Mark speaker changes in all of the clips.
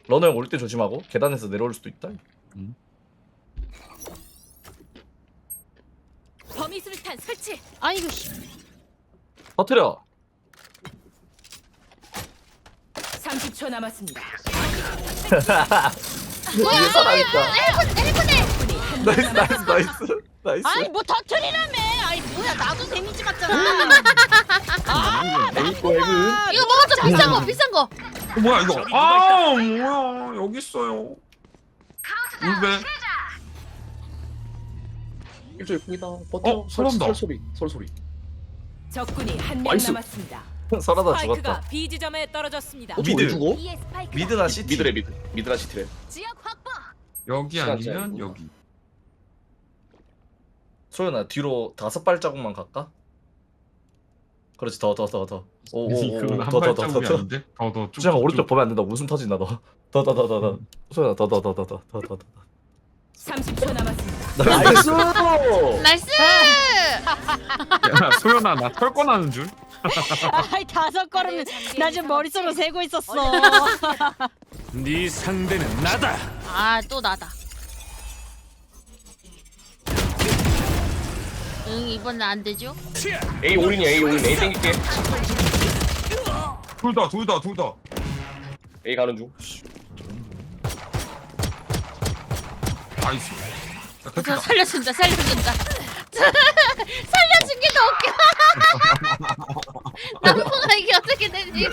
Speaker 1: 러너 형 올 때 조심하고 계단에서 내려올 수도 있다.
Speaker 2: 범위 수류탄 설치.
Speaker 3: 아이고 씨.
Speaker 1: 터트려.
Speaker 2: 30초 남았습니다.
Speaker 1: 이게 살아있다.
Speaker 3: 일본에.
Speaker 1: 나이스 나이스 나이스 나이스.
Speaker 3: 아니 뭐 터트리라며. 아이 뭐야 나도 데미지 맞잖아.
Speaker 1: 에이코 에그.
Speaker 3: 이거 먹었죠 비싼 거 비싼 거.
Speaker 4: 뭐야 이거? 아 뭐야 여기 있어요. 울베.
Speaker 1: 일조이 풍이다. 버텨.
Speaker 4: 설한다.
Speaker 1: 솔소리.
Speaker 2: 적군이 한 명
Speaker 1: 나이스.
Speaker 2: 남았습니다.
Speaker 1: 설하다
Speaker 2: 스파이크가
Speaker 1: 죽었다.
Speaker 2: B 지점에 떨어졌습니다.
Speaker 1: 미드.
Speaker 5: 죽어?
Speaker 1: 미드나 시티.
Speaker 5: 미드라 시티래.
Speaker 2: 지역 확보.
Speaker 4: 여기
Speaker 5: 시간
Speaker 4: 아니면
Speaker 5: 짜리.
Speaker 4: 여기.
Speaker 1: 소연아 뒤로 5발자국만 갈까? 그렇지 더.
Speaker 4: 그건
Speaker 1: 오오오
Speaker 4: 한
Speaker 1: 더.
Speaker 4: 발자국이 아닌데? 더 쭉.
Speaker 1: 수정아 오른쪽 보면 안 된다. 웃음 터진다 너. 더. 소연아 더.
Speaker 2: 30초 남았습니다.
Speaker 1: 나이스.
Speaker 3: 나이스.
Speaker 4: 야 소연아 나 털꺼나는 줄?
Speaker 3: 아이 5걸음은 나 지금 머릿속으로 세고 있었어.
Speaker 6: 네 상대는 나다.
Speaker 3: 아 또 나다. 응 이번엔 안 되죠?
Speaker 5: A 올인이야 A 올인. A 땡길게.
Speaker 4: 둘 다.
Speaker 5: A 가는 중.
Speaker 4: 나이스. 자,
Speaker 3: 저
Speaker 4: 됐다.
Speaker 3: 살려준다. 살려준 게 더 웃겨. 남보가 이게 어떻게 되지?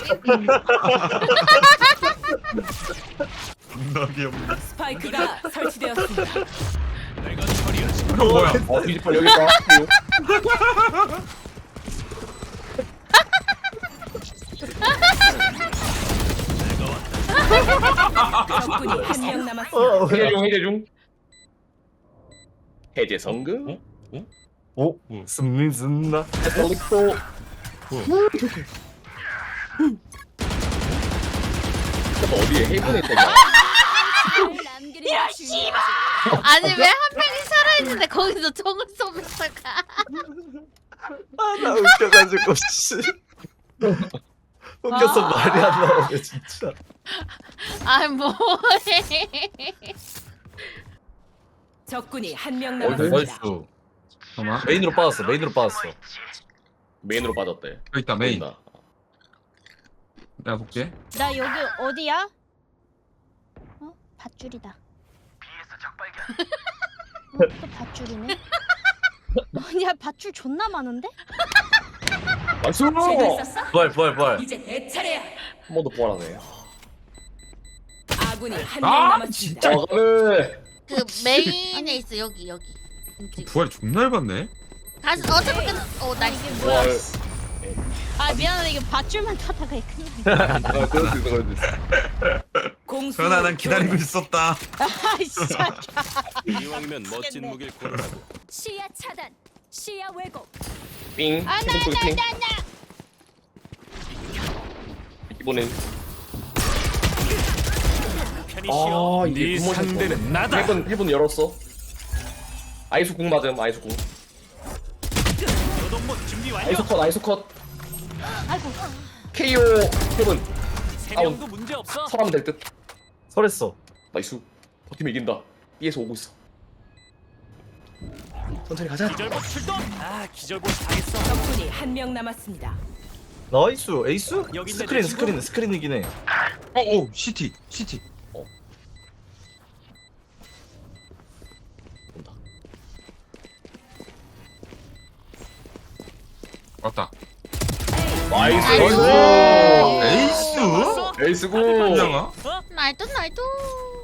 Speaker 4: 존나 귀엽네.
Speaker 2: 스파이크가 설치되었습니다.
Speaker 6: 내가 처리하지.
Speaker 4: 이거 뭐야?
Speaker 5: 디지털 여기 있다.
Speaker 2: 적군이 한 명 남았습니다.
Speaker 5: 해제 중. 해제 성공.
Speaker 1: 오 승리승나.
Speaker 5: 올릭도. 어디에 헤븐에 있다냐?
Speaker 2: 이럴 씨발.
Speaker 3: 아니 왜 한 명이 살아있는데 거기서 총을 쏘면서 가?
Speaker 1: 아나 웃겨가지고 씨. 웃겨서 말이 안 나오네 진짜.
Speaker 3: 아 뭐해?
Speaker 2: 적군이 한 명
Speaker 5: 어디
Speaker 2: 남았습니다.
Speaker 1: 나이스.
Speaker 4: 잠깐만.
Speaker 1: 메인으로 빠졌어.
Speaker 5: 메인으로 빠졌대.
Speaker 4: 여기 있다 메인.
Speaker 5: 보인다.
Speaker 4: 내가 볼게.
Speaker 3: 나 여기 어디야? 어? 밧줄이다. 또 밧줄이네. 아니야 밧줄 존나 많은데?
Speaker 5: 나이스.
Speaker 2: 있었어?
Speaker 1: 부활.
Speaker 2: 이제 내 차례야.
Speaker 5: 한 번 더 부활하네.
Speaker 2: 아군이 한 명
Speaker 4: 아,
Speaker 2: 남았습니다.
Speaker 5: 가네.
Speaker 3: 그 메인에 있어 여기.
Speaker 4: 부활이 존나 얇았네.
Speaker 3: 가서 어차피 나이스.
Speaker 5: 부활.
Speaker 3: 아 미안하다 이게 밧줄만 타다가 큰일
Speaker 5: 그럴 수 있어.
Speaker 2: 공수
Speaker 4: 소연아 난 기다리고 있었다.
Speaker 3: 아 진짜.
Speaker 6: 이왕이면 멋진 무기를 고르라고.
Speaker 2: 시야 차단. 시야 왜곡.
Speaker 5: 삥. 헤븐 쪽에 삥. 이번엔
Speaker 6: 편히 쉬어.
Speaker 5: 아, 이게
Speaker 6: 네
Speaker 5: 구멍이
Speaker 6: 상대는 나다.
Speaker 5: 헤븐 열었어. 아이스 궁 맞음. 아이스 궁.
Speaker 6: 노동모 준비 완료.
Speaker 5: 아이스 컷.
Speaker 3: 아이고.
Speaker 5: KO 헤븐.
Speaker 6: 세 명도 문제 없어.
Speaker 5: 설하면 될 듯.
Speaker 1: 설했어.
Speaker 5: 나이스. 버티면 이긴다. B에서 오고 있어. 천천히 가자.
Speaker 6: 기절봇 출동. 아 기절봇 당했어.
Speaker 2: 적군이 한 명 남았습니다.
Speaker 1: 나이스. 에이스?
Speaker 6: 여기 있네, 내 친구.
Speaker 1: 스크린이긴 해.
Speaker 4: 오 시티.
Speaker 5: 온다.
Speaker 4: 왔다.
Speaker 5: 나이스.
Speaker 4: 에이스?
Speaker 5: 에이스 궁.
Speaker 4: 한양아?
Speaker 3: 날도.